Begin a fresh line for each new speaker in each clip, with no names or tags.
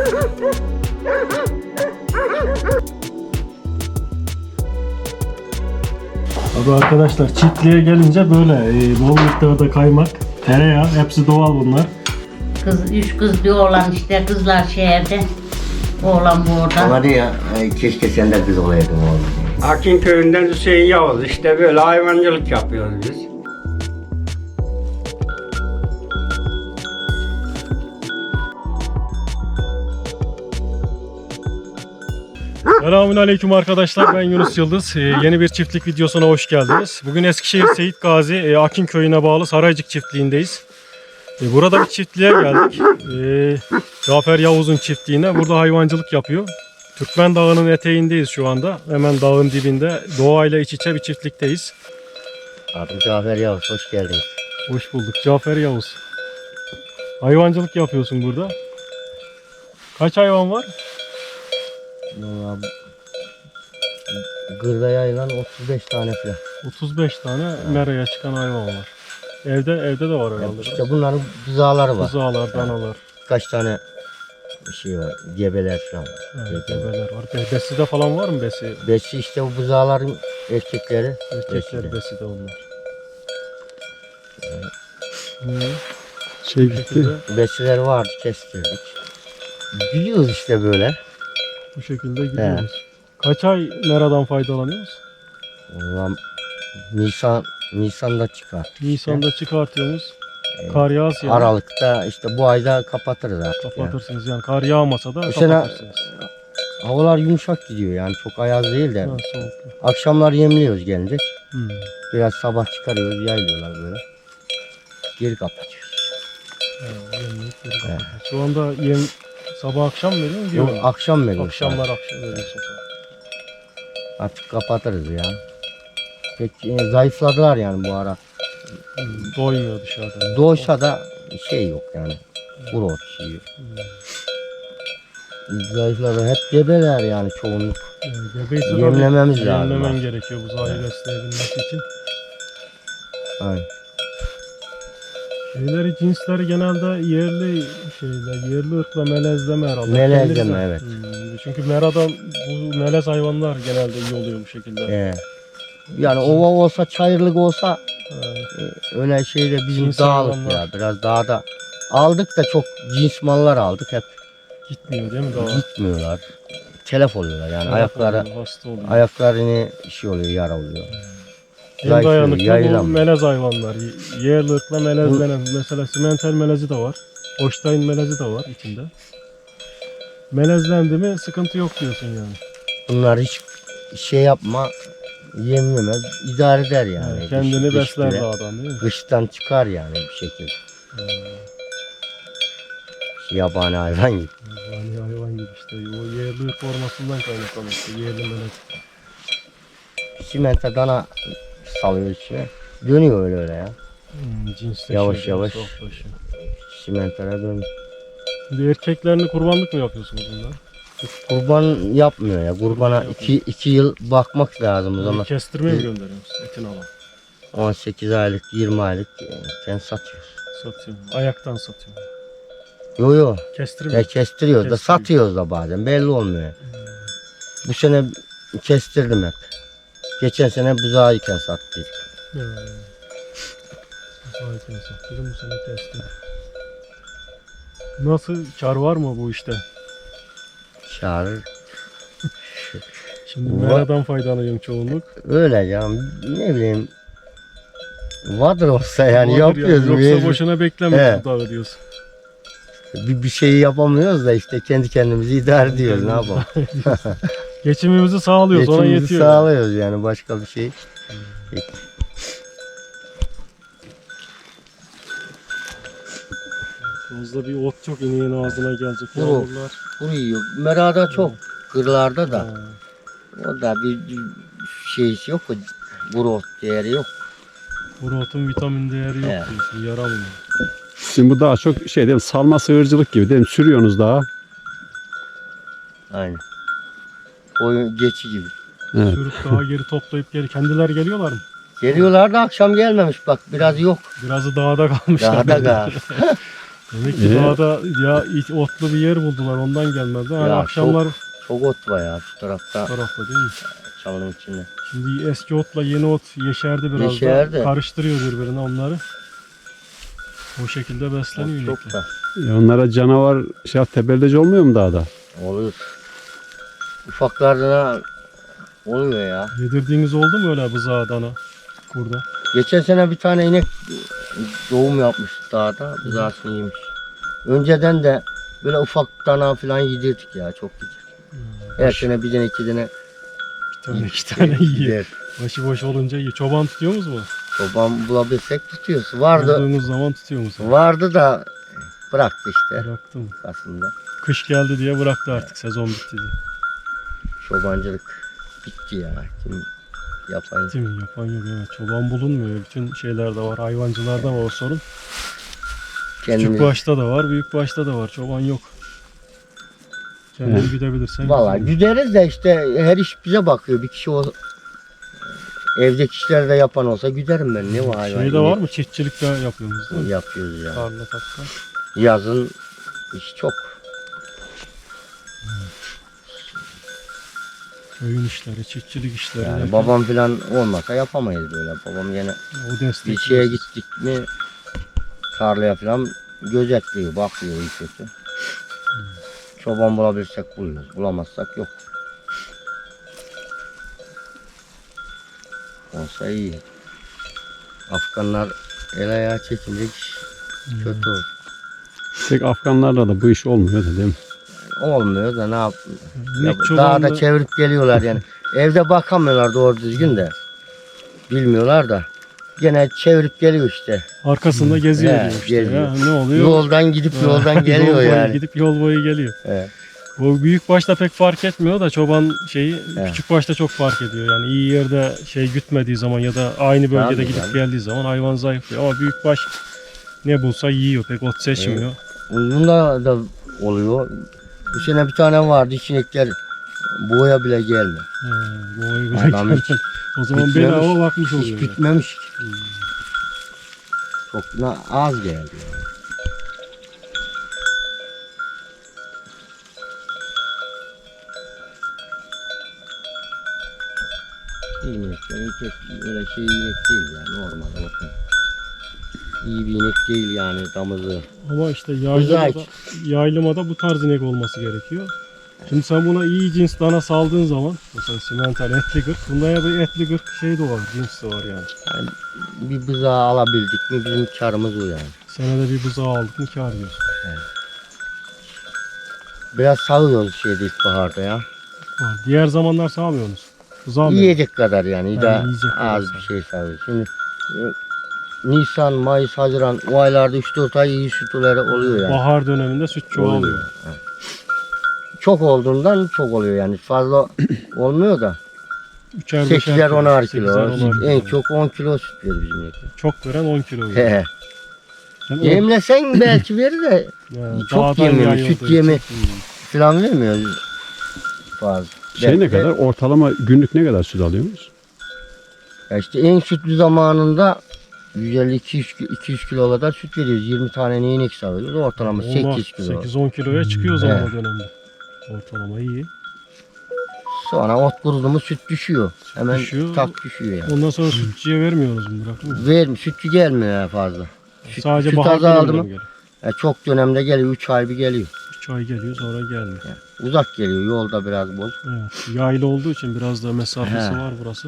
Abi arkadaşlar çiftliğe gelince böyle bol miktarda kaymak, tereyağı hepsi doğal bunlar.
Üç kız bir oğlan işte, kızlar şehirde. Oğlan bu orada.
Ama diyor keşke sen de kız olaydın oğlum.
Akin köyünden Hüseyin Yavuz, işte böyle hayvancılık yapıyoruz biz.
Selamünaleyküm arkadaşlar, ben Yunus Yıldız. Yeni bir çiftlik videosuna hoş geldiniz. Bugün Eskişehir Seyit Gazi Akin köyüne bağlı Saraycık çiftliğindeyiz. Burada bir çiftliğe geldik. Cafer Yavuz'un çiftliğine. Burada hayvancılık yapıyor. Türkmen Dağı'nın eteğindeyiz şu anda. Hemen dağın dibinde doğayla iç içe bir çiftlikteyiz.
Adım Cafer Yavuz, hoş geldiniz.
Hoş bulduk Cafer Yavuz. Hayvancılık yapıyorsun burada. Kaç hayvan var?
Gırda yayılan 35 tane falan.
35 tane meraya çıkan hayvan var. Evde de var herhalde.
İşte bunların buzağları var.
Buzağlar, danalar.
Kaç tane şey var, gebeler falan var.
Evet, gebeler var. Beside falan var mı besi?
Besi işte bu buzağların erkekleri.
Erkekler beside onlar.
Şey gitti.
Besiler vardı, kestirdik. Gidiyoruz işte böyle.
Bu şekilde gidiyoruz. Kaç ay meradan faydalanıyoruz?
Ulan Nisan'da çıkar.
Nisan'da çıkartıyoruz. Kar yağsa yani.
Aralık'ta işte bu ayda kapatırız artık.
Kapatırsınız yani. Kar yağmasa da
Bu sene
kapatırsınız.
havalar yumuşak gidiyor yani çok ayaz değil de.
Ha, soğuk.
Akşamlar yemliyoruz gelince.
Hmm.
Biraz sabah çıkarıyoruz, yaylıyorlar böyle. Geri kapatıyoruz.
Ha, yemleyip geri kapatıyoruz. Şu anda yem sabah akşam veriyor mu?
Yok, akşam veriyoruz.
Akşamlar akşam veriyorsun.
Artık kapatırız ya. Pek zayıfladılar yani bu ara.
Doymuyor dışarıda.
Doğuşa da şey yok yani. Kuru ot şey yok. Zayıfladı. Hep gebeler yani çoğunluk.
Yani gebeyse tabii
Yemlememiz lazım.
Yemlemen gerekiyor buzağı besleyebilmesi için.
Aynen.
Şeyleri, cinsleri genelde yerli ırkla melezleme herhalde.
Melezleme,
Kendinize.
evet.
Çünkü meradan bu melez hayvanlar genelde iyi oluyor bu şekilde.
Yani ova olsa, çayırlık olsa
Evet.
öyle şeyde bizim
Cins
dağlık
hayvanlar.
ya. Biraz dağda aldık da çok cins mallar aldık hep.
Gitmiyor değil mi daha?
Gitmiyorlar. Telef oluyorlar yani
Hasta oluyor.
ayaklarını şey oluyor, yara oluyor.
En
Zayıflıyor,
dayanıklı bu
yayılamıyor.
melez hayvanlar. Yerli ırkla melezlenen. Mesela simental melezi de var. Holstein melezi de var içinde. Melezlendi mi sıkıntı yok diyorsun yani.
Bunlar hiç şey yapma, yem yemez, idare eder yani.
Yani kendini
Kış
besler
bile.
dağdan değil mi?
Kıştan çıkar yani bir şekilde. Yabani hayvan gibi.
Yani hayvan gibi işte. O yerli ırk formasından kaynaklanıyor. İşte yerli melez.
Simente dana salıyor içine. Dönüyor öyle ya.
Cinsleşiyor.
Yavaş yavaş.
softlaşıyor.
Simentere dönüyor.
Şimdi erkeklerini kurbanlık mı yapıyorsunuz bunlar?
Kurban yapmıyor ya. Kurbana iki yıl bakmak lazım o zaman.
Kestirmeye mi gönderiyorsunuz etin alan?
18 aylık, 20 aylık sen satıyoruz.
Satıyor. Ayaktan satıyor.
Yo.
Kestirmiyor.
Kestiriyoruz da
Kestiriyor.
satıyoruz da bazen. Belli olmuyor. Bu sene kestirdim hep. Geçen sene buzağıyken sattıydık.
Ayaktan satıyor. Bu sene kestim. Nasıl, kar var mı bu işte?
Çağırır.
Şimdi meradan faydalanıyorum çoğunluk.
Öyle ya. Ne bileyim. Vardır olsa yani
Vardır
yapıyoruz.
yani. Yoksa
mecbur.
boşuna beklemiyoruz
Evet.
bu dağı diyorsun.
Bir şeyi yapamıyoruz da işte kendi kendimizi idare ediyoruz. Ne yapalım?
Geçimimizi sağlıyoruz, ona
Geçimimizi
yetiyor.
sağlıyoruz yani başka bir şey.
Fazla bir ot çok ineğin ağzına gelecek.
Kuru.
Yavrular.
Kuru yiyor. Merada çok. Kırlarda da.
Ha.
O da bir şeysi yok. Kuru ot değeri yok.
Kuru otun vitamin değeri yok
Evet.
diyorsun, yaramıyor.
Şimdi bu daha çok şey değil mi? Salma sığırcılık gibi değil mi? Sürüyorsunuz daha.
Aynen. Koyun geçi gibi.
Evet.
Sürüp daha geri toplayıp geri kendiler geliyorlar mı?
Geliyorlar da akşam gelmemiş bak biraz yok.
Birazı dağda kalmışlar.
Daha da kal.
Demek ki dağda ya otlu bir yer buldular ondan gelmedi. Hani
Ya
akşamlar
Çok ot var ya şu tarafta.
tarafta değil mi?
Çalının içinde.
Şimdi eski otla yeni ot yeşerdi biraz
Yeşerdi.
da. Karıştırıyor birbirine onları. O şekilde besleniyor
Ot
inekler.
çok da.
Onlara canavar tebelleci olmuyor mu dağda?
Olur. Ufaklarına oluyor ya.
Yedirdiğiniz oldu mu öyle bızağı dana kurda?
Geçen sene bir tane inek doğum yapmış dağda. Bızağısını yemiş. Önceden de böyle ufak dana falan yedirdik ya. Çok yedirdik. Her sene bir tane iki tane
Bir tane iki tane yiyor.
gider.
Başıboş olunca iyi. Çoban tutuyor musunuz mu?
Çoban bulabilsek tutuyoruz. Vardı.
Bulduğunuz zaman tutuyor musunuz?
Vardı da bıraktı işte
Bıraktım.
aslında.
Kış geldi diye bıraktı artık sezon bitti diye.
Çobancılık bitti ya. Kim yapan
Değil mi? Yapan yok evet. Çoban bulunmuyor. Bütün şeylerde var. Hayvancılarda var o sorun. Küçük
kendini.
başta da var, büyük başta da var. Çoban yok. Kendini
Evet.
gidebilirsen.
Valla
güzel.
güderiz de işte her iş bize bakıyor. Bir kişi o evdeki işleri de yapan olsa güderim ben. Ne var hayvan?
Şey de var mı? Çiftçilik de yapıyorsunuz değil mi?
Yapıyoruz ya.
Tarla takla.
Yazın iş çok.
Köyün işleri, çiftçilik işleri.
Yani
derken
babam falan olmasa yapamayız böyle. Babam yine
o destek.
bir şeye gittik mi tarlaya falan gözetliyor, bakıyor iyi kötü. Çoban bulabilirsek buluyoruz. Bulamazsak yok. Olsa iyi. Afganlar el ayağı çekince iş kötü olur.
Tek Afganlarla da bu iş olmuyor da değil mi?
Olmuyor da ne yap?
İnek
Dağda
çobanlığı-
çevirip geliyorlar yani. Evde bakamıyorlar doğru düzgün de. Bilmiyorlar da. Gene çevirip geliyor işte.
Arkasında geziyor
He,
diyor işte
geziyor.
ya. Ne oluyor?
Yoldan gidip
Ha,
yoldan geliyor
yol boyu
yani.
Gidip yol boyu geliyor.
Evet.
Bu büyük başta pek fark etmiyor da çoban şeyi
Evet.
küçük başta çok fark ediyor. Yani iyi yerde gütmediği zaman ya da aynı bölgede
Tabii,
gidip
tabii.
geldiği zaman hayvan zayıflıyor. Ama büyük baş ne bulsa yiyor. Pek ot seçmiyor.
Bunda da oluyor. Bu sene bir tane vardı içinekler boya bile gelmiyor.
Bu oyu bile
Adam
gelmedi.
hiç
O zaman
bitmemiş,
bedava bakmış
Hiç
oluyor. yani.
bitmemiş. Çok az geldi. İyi inekler, pek öyle şey inek değil yani normal bakın. İyi bir inek değil yani damızı.
Ama işte
Güzel.
yaylımada bu tarz inek olması gerekiyor. Şimdi sen buna iyi cins dana saldığın zaman mesela simental etli gırk bunda ya bir etli gırk şey de var, cins de var yani.
Yani bir bızağı alabildik mi bizim karımız o yani.
Senede bir buzağı aldık mı kâr diyorsun.
Biraz sağıyoruz ilkbaharda ya.
Ha, diğer zamanlar sağmıyorsunuz. Buzağı mı?
Yiyecek kadar yani.
Ha,
Da
yiyecek kadar
az
sağ.
bir şey sağıyoruz. Şimdi Nisan, Mayıs, Haziran o aylarda 3-4 ay iyi sütüleri oluyor yani.
Bahar döneminde süt çoğalıyor.
Evet. Çok olduğundan çok oluyor yani. Fazla olmuyor da.
3'er 5'er
8'er 10'ar
8'er,
kilo.
10'ar
En
kilo.
çok 10 kilo süt verir bizim inekler.
Çok veren 10 kilo veriyor.
He.
Yani o-
Yemlesen belki verir de
yani
çok
dağdan
yemiyor,
yayıldığı
süt yemi-
için.
falan vermiyor fazla.
Şey ne
Belki de-
kadar? Ortalama günlük ne kadar süt alıyorsunuz?
Ya işte en sütlü zamanında 150-200 kilo kadar süt veriyoruz. 20 tane inek sağıyoruz. Ortalama 8 kilo.
8-10 kiloya çıkıyor o zaman
Evet.
o dönemde. Ortalama iyi.
Sonra ot kurudu mu süt düşüyor. Hemen
düşüyor.
tak düşüyor yani.
Ondan sonra sütçüye vermiyorsunuz mu? Bırakmıyor musunuz?
Vermiyor. Sütçü gelmiyor ya fazla.
Sadece
süt
bahar
azaldı
döneminde
mı?
mi geliyor?
Ya çok dönemde geliyor. 3 ay bir geliyor.
3 ay geliyor sonra gelmiyor.
Uzak geliyor. Yolda biraz bol.
Evet. Yaylı olduğu için biraz da mesafesi
He.
var burası.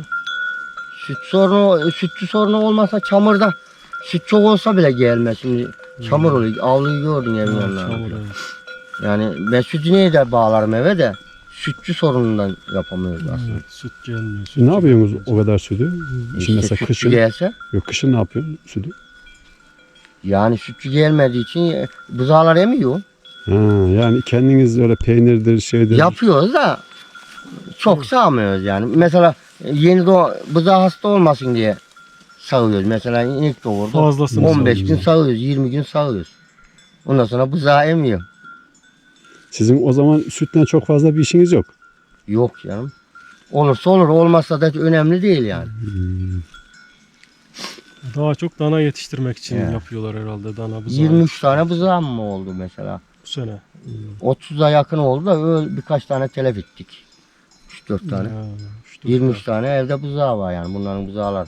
Sütçü sorunu olmasa çamurda süt çok olsa bile gelmez. Şimdi çamur oluyor. Avluyu gördün evin
Evet,
yanına.
çamur, evet.
Yani ben sütü neye de bağlarım eve de sütçü sorunundan yapamıyoruz aslında.
Evet, süt gelmiyor.
Siz ne yapıyorsunuz o kadar sütü? Şimdi
İşte
mesela
sütçü
kışın,
gelse
yok kışın ne yapıyorsun sütü?
yani sütçü gelmediği için buzağlar emiyor.
Ha, yani kendiniz öyle peynirdir şeydir.
Yapıyoruz da çok sağmıyoruz yani. Mesela yeni buzağı hasta olmasın diye sağıyoruz. Mesela inek doğurdu.
Fazlasını
15 gün
sağıyoruz.
sağıyoruz, 20 gün sağıyoruz. Ondan sonra buzağı emiyor.
Sizin o zaman sütten çok fazla bir işiniz yok.
Yok canım. Olursa olur, olmazsa da önemli değil yani.
Daha çok dana yetiştirmek için
Ya.
yapıyorlar herhalde dana buzağı.
23 tane buzağım mı oldu mesela?
Bu sene.
30'a yakın oldu da öyle birkaç tane telef ettik. 3-4 tane.
Ya,
23 tane evde buzağı var yani bunların buzağları.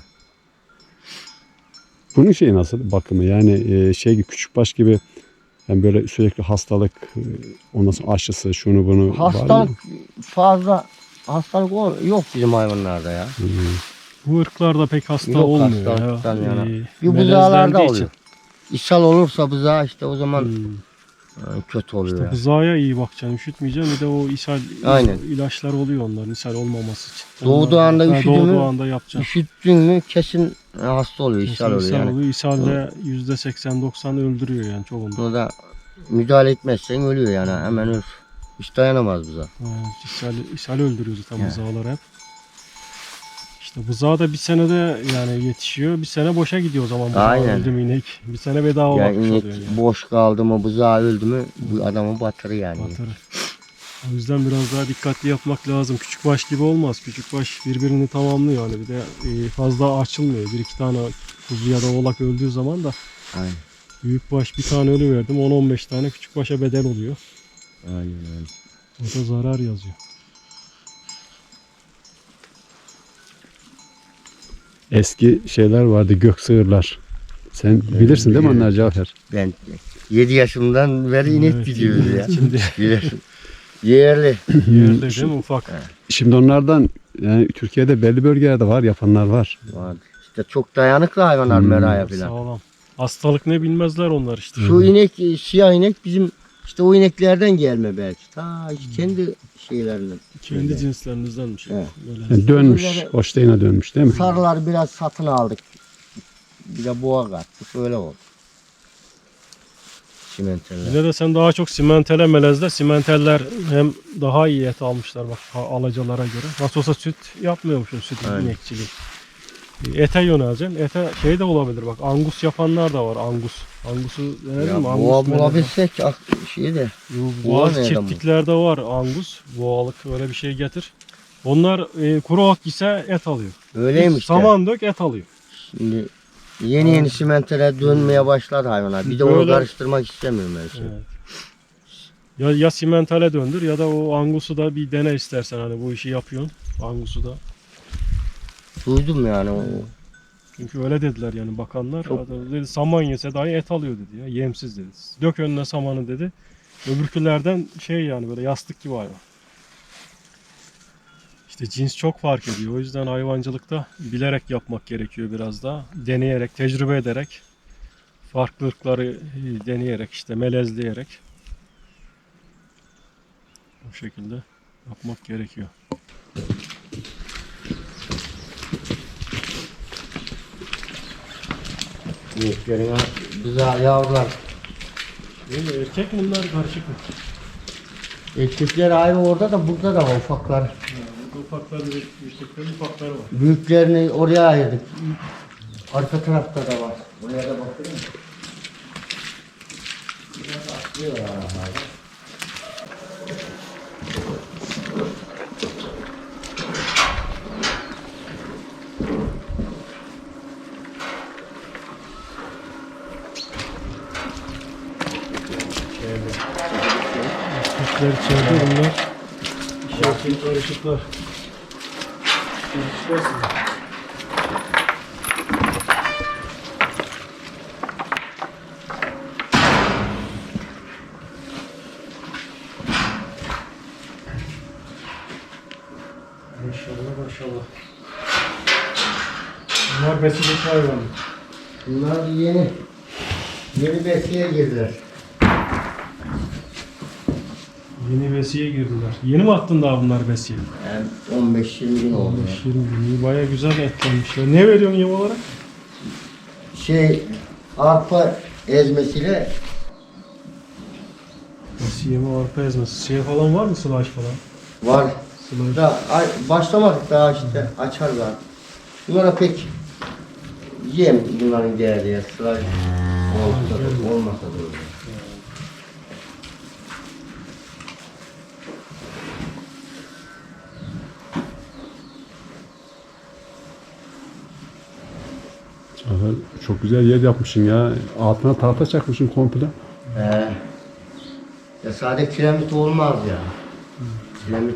Bunun şeyi nasıl bakımı? Yani şey gibi küçükbaş gibi yani böyle sürekli hastalık, ondan sonra aşısı, şunu bunu var
Hastalık
mı?
fazla hastalık yok bizim hayvanlarda ya.
Bu ırklarda pek hasta
Yok
olmuyor
hastalıktan
ya.
yana.
Bir
Bir buzağlarda
melezlendiği
oluyor. İshal olursa buzağı işte o zaman kötü oluyor.
İşte
ya.
buzağa iyi bakacaksın, üşütmeyeceksin. Bir de o ishal
Aynen.
ilaçlar oluyor onların ishal olmaması için.
Doğduğu anda üşüdü
Doğduğu
mü?
anda yapacaksın.
Üşüttün mü kesin hasta oluyor, ishal
Kesin
oluyor
ishal
yani.
oluyor. İshal de %80-90 öldürüyor yani çoğunda.
Bunu da müdahale etmezsen ölüyor yani hemen ölür. Hiç dayanamaz buzağı.
İshal öldürüyor zaten
Ya.
buzağlar hep. İşte buzağı da bir senede yani yetişiyor. Bir sene boşa gidiyor o zaman. Buzağı
Aynen.
öldü mü inek. Bir sene bedava
Yani
bakmış
inek
oluyor yani.
boş kaldı mı buzağı öldü mü bu adamı batırır yani.
Batırır. O yüzden biraz daha dikkatli yapmak lazım. Küçükbaş gibi olmaz. Küçükbaş birbirini tamamlıyor yani. Bir de fazla açılmıyor. Bir iki tane kuzu ya da oğlak öldüğü zaman da
Aynen.
büyükbaş bir tane ölü verdim. 10-15 tane küçükbaşa bedel oluyor.
Aynen öyle.
O da zarar yazıyor.
Eski şeyler vardı, gök sığırlar. Sen bilirsin değil mi onlar Cafer?
Ben 7 yaşımdan beri inek
Evet,
gidiyoruz ya.
Şimdi
Bilirim. Yerli.
yerde değil mi ufak?
Şimdi onlardan yani Türkiye'de belli bölgelerde var, yapanlar var.
Vardı. İşte çok dayanıklı hayvanlar meraya falan.
Sağlam. Hastalık ne bilmezler onlar işte.
Şu inek, siyah inek bizim işte o ineklerden gelme belki. Ta kendi şeylerinden.
Kendi cinslerinizdenmiş.
Evet.
Böyle.
Yani dönmüş,
Bunları-
Holstein'e dönmüş değil mi?
Sarılar biraz satın aldık. Bir de boğa kattık. Öyle oldu. Simenteller.
Yine de sen daha çok simentele melezde. Simenteller hem daha iyi et almışlar bak alacalara göre. Nasıl olsa süt yapmıyormuşsun süt
Aynen.
inekçiliği. Ete yöneleceksin. Ete şey de olabilir bak angus yapanlar da var angus. Angusu denedin
Ya
mi?
boğa
Angus melezi.
bulabilsek şey de. Boğa
Bazı
nereden bu?
çiftliklerde var angus. Boğalık öyle bir şey getir. Onlar kuru ot ise et alıyor.
Öyleymiş de.
Saman dök et alıyor.
Şimdi yeni simentere dönmeye başladı hayvanlar. Bir de onu
Böyle-
karıştırmak istemiyorum ben şimdi.
Evet. Ya simentale döndür ya da o angusu da bir dene istersen hani bu işi yapıyorsun. Angusu da.
Duydum yani o.
Çünkü öyle dediler yani bakanlar.
Çok-
Adam dedi saman yese dahi et alıyor dedi ya. Yemsiz dedi. Dök önüne samanı dedi. Öbürkülerden şey yani böyle yastık gibi hayvan. İşte cins çok fark ediyor. O yüzden hayvancılıkta bilerek yapmak gerekiyor biraz daha. Deneyerek, tecrübe ederek. Farklı ırkları deneyerek işte melezleyerek. Bu şekilde yapmak gerekiyor.
İneklerin güzel yavrular.
Değil mi? Erkek mi bunlar karışık mı?
Erkekler ayrı orada da burada da var ufaklar.
Ufakları ve büyükleri ufakları var.
Büyüklerini oraya ayırdık. Arka tarafta da var. Oraya da bakıyor musun? Biraz atlıyorlar arabayla.
Kuşlar içeride bunlar. İşaretli karışıklar. Maşallah maşallah. Bunlar besideki hayvan.
Bunlar yeni besiye girdiler.
Yeni besiye girdiler. Yeni mi attın daha bunlar besiye?
Yani 15-20 gün oldu.
20 gün. Baya güzel etlenmişler. Ne veriyorsun yem olarak?
Arpa ezmesiyle
Besiye mi arpa ezmesi? Şey falan var mı slash falan?
var.
Slash.
Da, başlamadık daha işte açarlar. Bunlara pek yem bunların değerli ya. Sıra olmasa da olur.
Cafer Çok güzel yer yapmışsın ya. Altına tahta çakmışsın komple.
Ya sadece kiremit olmaz ya. Kiremit.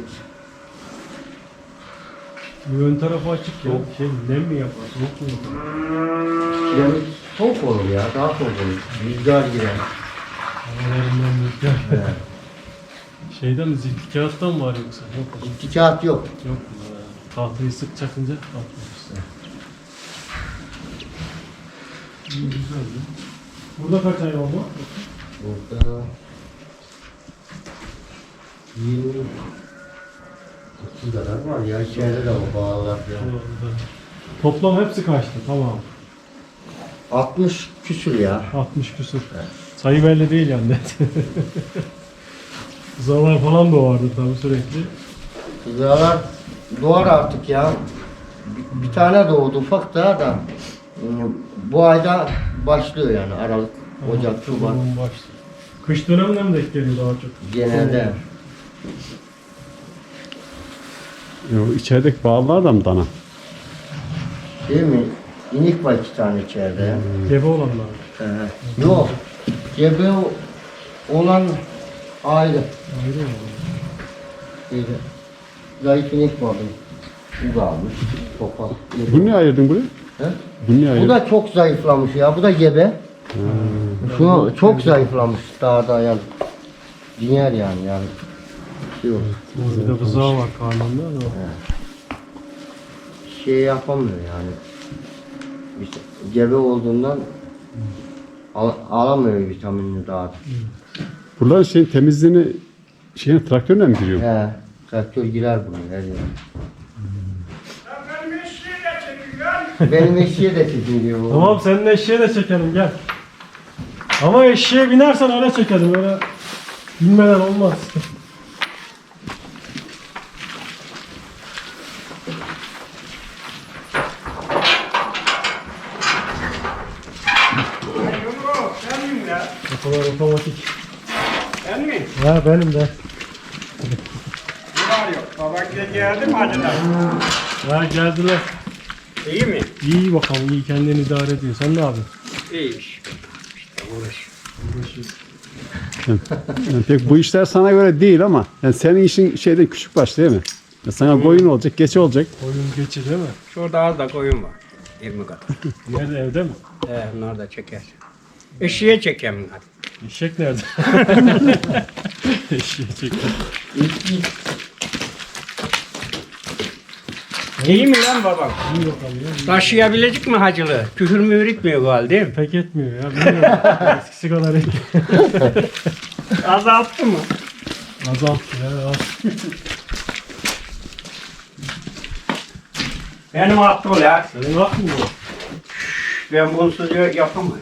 Ön tarafı açık ya. Nem mi yapar? Soğuk mu yapar?
Kiremit soğuk olur ya. Daha soğuk olur. Rüzgar girer.
Havalarından rüzgar. Şeyden mi? Zilti kağıttan mı var yoksa? Yok.
İki kağıt yok.
Yok. Tahtayı sık çakınca atmışsın. İyi güzeldi. Burada kaç hayvan var?
Burada 20 30 kadar var ya. İçeride de o bağlar ya.
Toplam hepsi kaçtı? Tamam.
60 küsür ya.
60 küsur. Sayı belli değil yani net. Kızalar falan da vardı tabii sürekli.
Kızlar doğar artık ya. Bir tane doğdu ufak daha da. Bu ayda başlıyor yani Aralık, Ocak, Şubat.
Tamam, başlıyor. Kış döneminde mi denk geliyor daha çok?
Genelde.
İçerideki bağlar da mı dana?
Değil mi? İnik var 2 tane içeride ya.
Gebe olanlar.
Yok. Gebe olan ayrı.
Ayrı mı?
Şeyde. Zayıf inek vardı. Bu da almış. Topal.
Bunu niye ayırdın buraya?
He?
Bunu niye
Bu
ayırdın?
da çok zayıflamış ya. Bu da gebe. Şu çok zayıflamış dağda yani. Diğer yani. Şey yok.
Bir de bızağı var karnında da.
Şey yapamıyor yani. İşte gebe olduğundan alamıyor vitaminini daha.
Buraların şeyin temizliğini traktörle mi giriyor?
He, traktör girer buna her yere. Benim eşeğe de çekiliyor.
Tamam senin eşeğe de çekelim gel. Ama eşeğe binersen öyle çekelim öyle binmeden olmaz.
Sen miyim ya?
O kadar otomatik.
Sen mi?
Ha benim de.
Ne var yok? Baban geldi mi acıdan?
Ha geldiler.
İyi mi?
İyi bakalım iyi kendini idare ediyor. Sen ne yapıyorsun?
İyiymiş. İşte uğraş.
Yani pek bu işler sana göre değil ama yani senin işin şeyde küçük baş değil mi? Ya sana koyun olacak, geçi olacak.
Oyun geçi değil mi?
Şurada az da koyun var. 20 kadar.
Nerede evde mi?
Bunlar da çeker. Eşeğe çekeyim bunlar.
Eşek nerede? Eşeğe çeker.
İyi mi lan babam?
İyi bakalım ya.
Taşıyabilecek mi hacılı? Küfür mü üretmiyor galiba değil mi?
Pek etmiyor ya. Bilmiyorum. Eskisi kadar iyi.
Azalttı mı?
Azalttı ya. Az.
Benim attı o ya.
Senin hak mı bu?
Ben bunsuz yapamıyorum.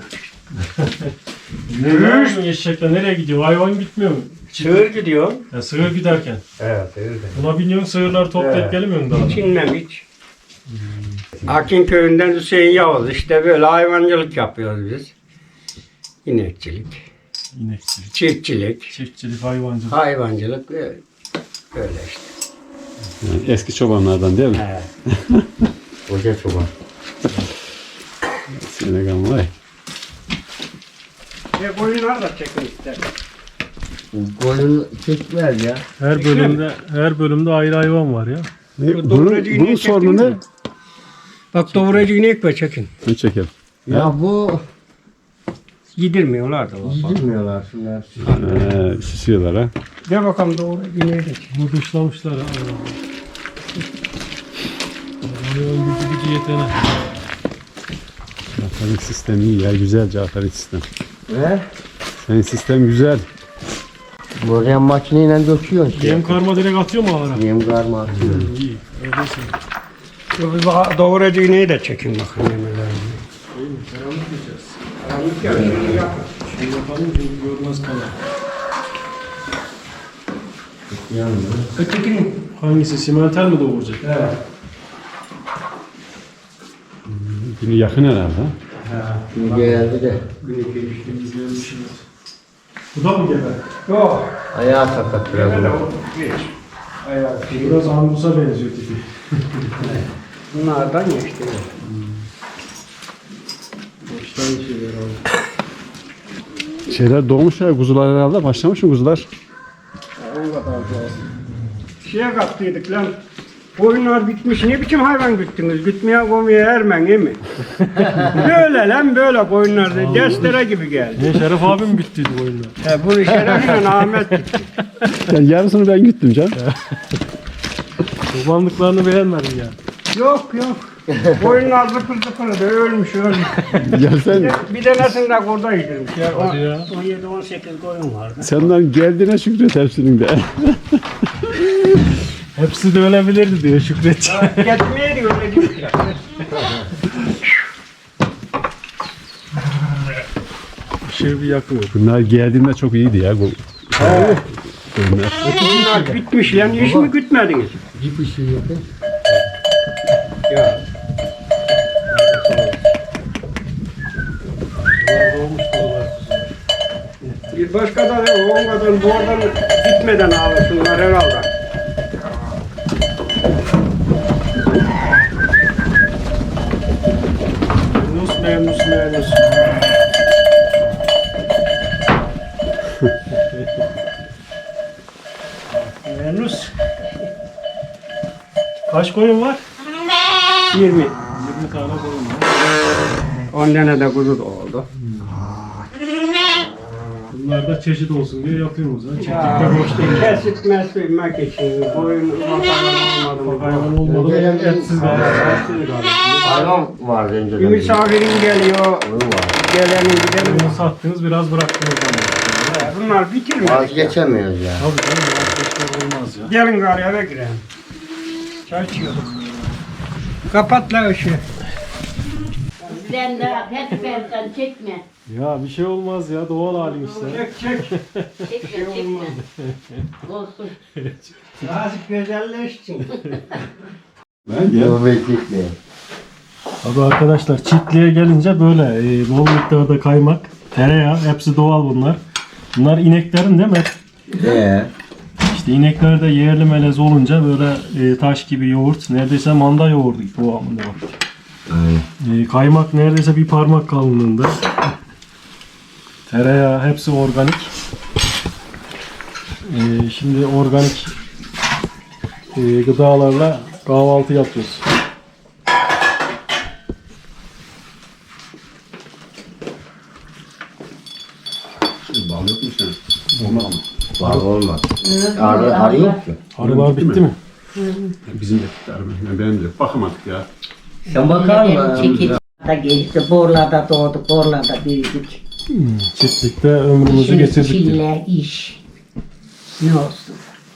Ne yapıyorsun eşekle? Nereye gidiyor? Hayvan gitmiyor mu?
Sığır gidiyor.
Ya sığır giderken.
Evet sığır gidiyor.
Buna biniyorsun sığırları toplayıp
Evet.
gelmiyorsun daha.
Hiç inmem hiç. Akin köyünden Hüseyin Yavuz. İşte böyle hayvancılık yapıyoruz biz. İnekçilik,
İnekçilik,
çiftçilik,
çiftçilik, hayvancılık.
hayvancılık böyle işte.
Yani eski çobanlardan değil mi?
Evet.
Koca çoban.
Senegal vay.
Koyunlar da çekin ister.
Koyun çekmez ya.
Her bölümde ayrı hayvan var ya.
Bunun sorunu ne?
Bak doğrayıcı inek var çekin.
Bunu çekelim.
Ya bu
Yedirmiyorlar da bak.
yiyilmiyorlar şunlar.
Şişiyorlar ha.
De bakalım doğrayıcı ineği de çek.
Bunu dışlamışlar ha. Hayvan gücü yetene.
Cafer'in sistemi iyi ya. Güzel Cafer'in sistem.
He?
Senin sistem güzel.
Buraya makineyle döküyorsun işte.
Yem karma direkt atıyor mu ağlara?
Yem karma atıyor.
İyi. Öyleyse.
Doğrayıcı ineği de çekin bakın yemelerine.
Karanlık yiyeceğiz.
Karanlık ya şunu yapın.
Şimdi yapalım çünkü görmez kalan.
Ötekinin.
Hangisi? Simenter mi doğuracak?
Evet.
Günü yakın herhalde. Ha?
Şimdi geldi de
Bu da mı gebe?
Yok.
ayağı sakat biraz.
Gene de
onun.
o geç. Ayağı
Biraz Angus'a benziyor tipi.
Bunlardan geçti.
Şeyler doğmuş ya, kuzular herhalde. Başlamış mı kuzular?
Şeye kattıydık lan. Koyunlar bitmiş. Ne biçim hayvan güttünüz? Gütmeye koymaya ermen değil mi? Böyle lan böyle koyunlar da destere gibi geldi.
Ne Şeref abi mi bittiydi bu oyunlar?
Bunu Şeref'le Ahmet gitti.
Yani yarısını ben gittim can.
Çobanlıklarını beğenmedin ya.
Yok yok. Koyunlar zıpır zıpır da ölmüş.
Gelsen
Bir tanesinde kurda yedirmiş.
Hadi ya.
17-18 koyun vardı.
senden geldiğine şükret hepsinin de.
Hepsi de ölebilirdi diyor Şükret.
Getmeye diyor öyle gidiyor.
Işığı bir yakıyor.
Bunlar geldiğinde çok iyiydi ya. Bu. Bunlar.
Koyunlar bitmiş lan. Hiç mi gütmediniz?
Bir şey yok.
Ya. Bir başka da onlardan bu oradan gitmeden ağlasınlar herhalde. Nus. Menus
Kaç koyun var?
20.
20 tane koyun var.
10 tane de kuzu da oldu.
Bunlar da çeşit olsun diye yapıyoruz. Ha. Çiftlikte
Ya,
boş değil.
kesip meslemek için koyun hayvan olmadı mı?
Hayvan olmadı mı etsiz kalır.
Hayvan vardı
Bir
önceden.
misafirin geliyor,
Koyun var.
gelenin gidenin.
Bunu sattınız biraz bıraktınız ama.
Bunlar bitirmedi.
Vazgeçemiyoruz ya.
Tabii canım vazgeçmek olmaz ya.
Gelin gari eve girelim. Çay içiyorduk. Kapat la ışığı.
Sen daha sen çekme.
Ya bir şey olmaz ya doğal halin işte.
Çek.
Çekme. Olsun.
Azıcık güzelleşsin.
Yok bekletmeyin.
Abi arkadaşlar çiftliğe gelince böyle bol miktarda kaymak, tereyağı hepsi doğal bunlar. Bunlar ineklerin değil mi? İşte inekler de yerli melez olunca böyle taş gibi yoğurt, neredeyse manda yoğurdu gibi kıvamında var.
Aynen.
Kaymak neredeyse bir parmak kalınlığında. Tereyağı hepsi organik. Şimdi organik gıdalarla kahvaltı yapıyoruz.
Bal yok mu sen? Olmaz ama.
Var olmaz. Arı yok ki.
Arılar bitti mi?
Bizim de bitti araba. Benim de yok. Bakamadık ya.
Sen bakar mısın?
Çekici da geldi. Borlarda doğduk, borlarda büyüdük.
Çiftlikte ömrümüzü
Şimdi
getirdik diyor.
çile, iş. Ne olsun.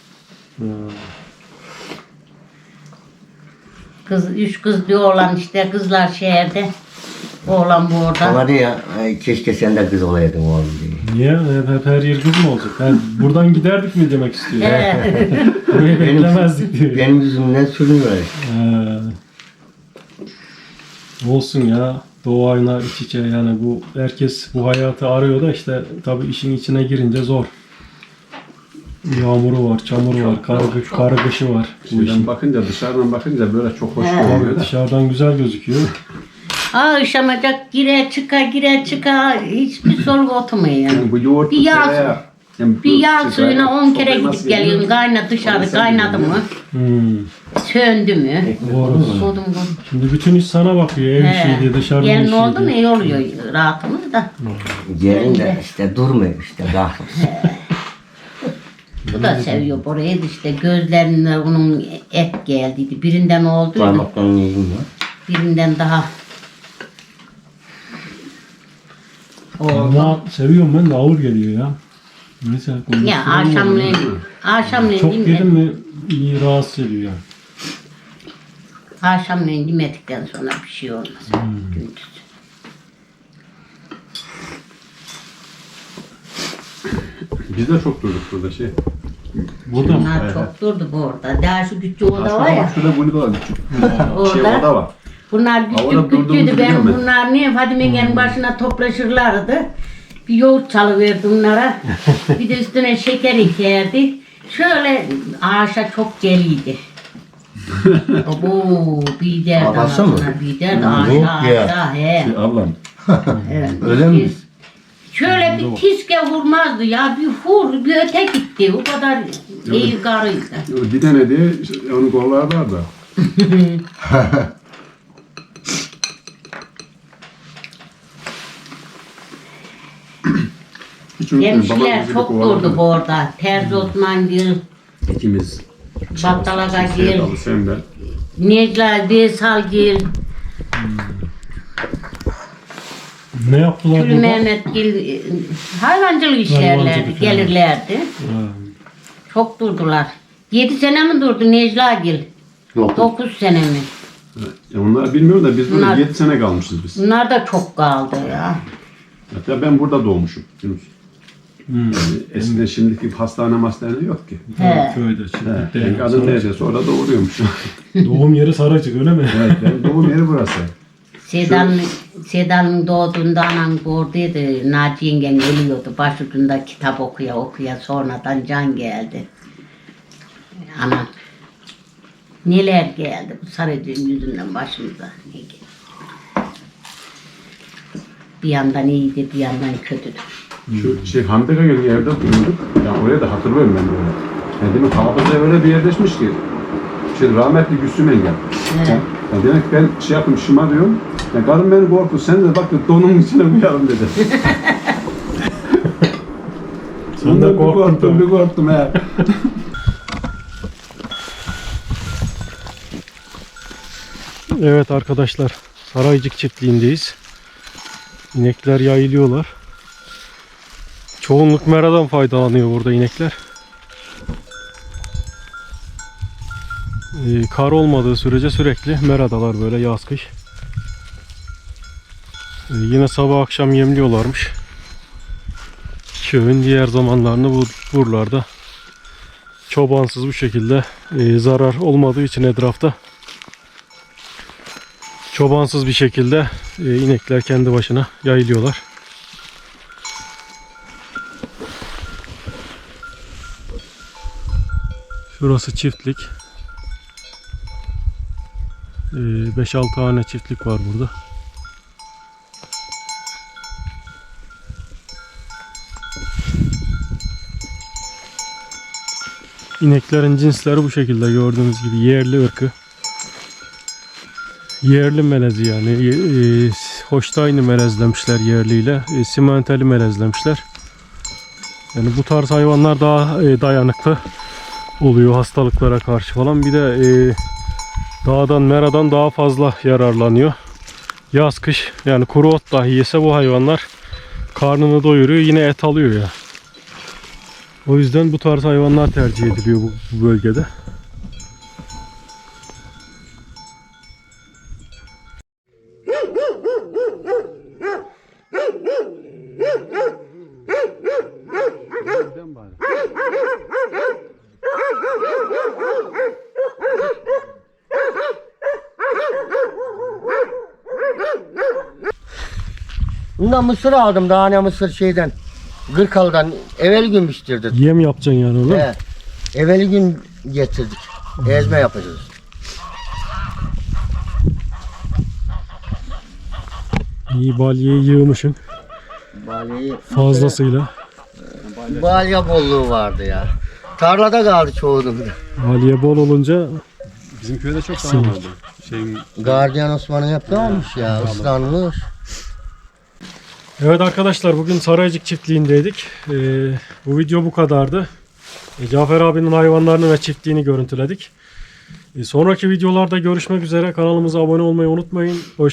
Üç kız bir oğlan işte. Kızlar şehirde. Oğlan bu orada.
Ama diyor ya, keşke sen de kız olaydın oğlum diye.
Niye? Hep her yer kız mı olacak? Buradan giderdik mi demek istiyor. Burayı beklemezdik diyor.
Benim yüzümden sürünüyor işte.
Olsun ya. Doğayla iç içe yani bu herkes bu hayatı arıyor da işte tabii işin içine girince zor. Yağmuru var, çamuru var, karı kışı var. Bu
Şeyden
işin.
bakınca, dışarıdan bakınca böyle çok hoş görünüyor da.
Dışarıdan güzel gözüküyor.
Akşamacak gire çıka hiçbir soluk oturmuyor yani.
Yani bu yoğurt
Bir yağ-
tereyağı, yani
Bir
bu
yağ
şey,
suyuna 10 kere
sofraya
gidip
nasıl
geliyorum.
geliyor?
Kaynadı dışarı
Sen
kaynadı mı? Söndü mü?
Doğru.
Sodum.
Şimdi bütün iş sana bakıyor. Ev işi diye, dışarıdan
Gelin
işi
oldu mu
diye.
iyi oluyor rahatımız da.
Gelin de işte durmuyor işte kahrolsun.
Bu da seviyor burayı da işte gözlerinden onun et geldiydi. Birinden oldu,
Parmaktan yiyeyim ya.
birinden daha oldu.
Ama seviyorum ben de ağır geliyor ya. Neyse.
Ya akşamleyin
Çok
değil mi?
yedim mi iyi rahatsız ediyor yani.
Akşamleyin yemedikten sonra bir şey olmaz. Gündüz.
Biz de çok durduk burada şey.
Burada mı?
Bunlar çok durdu bu orada. Daha şu küçük oda var ya.
Şurada bunu da var küçük. Şey
Orada.
oda var.
Bunlar
orada
küçük
durduğumuzu
küçüğüydü.
biliyor
Ben
musun?
bunlar niye Fadime'nin başına toplaşırlardı. Bir yoğurt çalıverdi bunlara. Bir de üstüne şeker ekerdi. Şöyle ağaça çok geliydi. Abo bir derdi
Babası mı?
Bir derdi
Yok
aşağı
ya.
aşağı he.
Şey, ablam
Evet,
Öyle mi?
Şöyle bir tiske vurmazdı ya. Bir vur, bir öte gitti. O kadar iyi karıydı.
Bir tane diye onu kollarlar da. Hiç unutmayın, babam
Hemşireler
bizi
çok
kovalardı.
durdu bu orada. Terzi Osman Gül,
İkimiz.
Battalaga
Seyit
Gül,
Ali, sen ben.
Necla Desal Gül,
Ne yaptılar
Gül
burada?
Mehmet Gül hayvancılık işlerlerdi,
Hayvancılık,
gelirlerdi. Çok durdular. 7 sene mi durdu Necla Gül?
Yok.
9 sene mi?
Onlar bilmiyor da biz
Bunlar-
burada 7 sene kalmışız biz.
Bunlar da çok kaldı ya.
Hatta ben burada doğmuşum. Yunus. Yani eskiden şimdiki hastane yok ki.
He.
Köyde
Ben kadın teyzesi orada doğuruyormuş.
Doğum yeri Saraycık öyle mi?
Evet, benim doğum yeri burası.
Sedan'ın doğduğunda anan gördüydü. Naci yengen ölüyordu. Başucunda kitap okuya sonradan can geldi. Anam. Neler geldi bu Sarıcık'ın yüzünden başımıza. Ne geldi? Bir yandan iyiydi, bir yandan kötüydü.
Şu Hamdaka Gölü evde duruyorduk. Yani oraya da hatırlıyorum ben böyle. Yani demek hafıza öyle bir yerleşmiş ki. Rahmetli Gülsüm Engel.
Evet.
Yani demek ben yapayım şımarıyorum. Yani karım beni korktu. Sen de bak donun içine koyalım dedi.
Sen de korktun.
Bir korktum he.
Evet arkadaşlar, Saraycık çiftliğindeyiz. İnekler yayılıyorlar. Çoğunluk meradan faydalanıyor burada inekler. Kar olmadığı sürece sürekli meradalar böyle yaz kış. Yine sabah akşam yemliyorlarmış. Köyün diğer zamanlarını bu buralarda çobansız bu şekilde zarar olmadığı için etrafta çobansız bir şekilde inekler kendi başına yayılıyorlar. Şurası çiftlik. 5-6 tane çiftlik var burada. İneklerin cinsleri bu şekilde gördüğünüz gibi yerli ırkı. Yerli melezi yani. Holstein'i melezlemişler yerliyle. Simentali melezlemişler. Yani bu tarz hayvanlar daha dayanıklı oluyor hastalıklara karşı falan. Bir de dağdan, meradan daha fazla yararlanıyor. Yaz kış yani kuru ot dahi yese bu hayvanlar karnını doyuruyor, yine et alıyor ya. O yüzden bu tarz hayvanlar tercih ediliyor bu bölgede.
Bundan mısır aldım, daha ne mısır şeyden. Gırkalı'dan evvel gün piştirdik.
Yem yapacaksın yani onu.
He. Evveli gün getirdik. Ezme yapacağız.
İyi balyeyi yığmışsın
Balyeyi
fazlasıyla.
balya bolluğu vardı ya. Tarlada kaldı çoğunun.
Balye bol olunca
Bizim köyde çok tane vardı.
Gardiyan Osman'ın yaptığı olmuş ya, ıslanmış.
evet arkadaşlar, bugün Saraycık çiftliğindeydik. Bu video bu kadardı. Cafer abinin hayvanlarını ve çiftliğini görüntüledik. Sonraki videolarda görüşmek üzere. Kanalımıza abone olmayı unutmayın.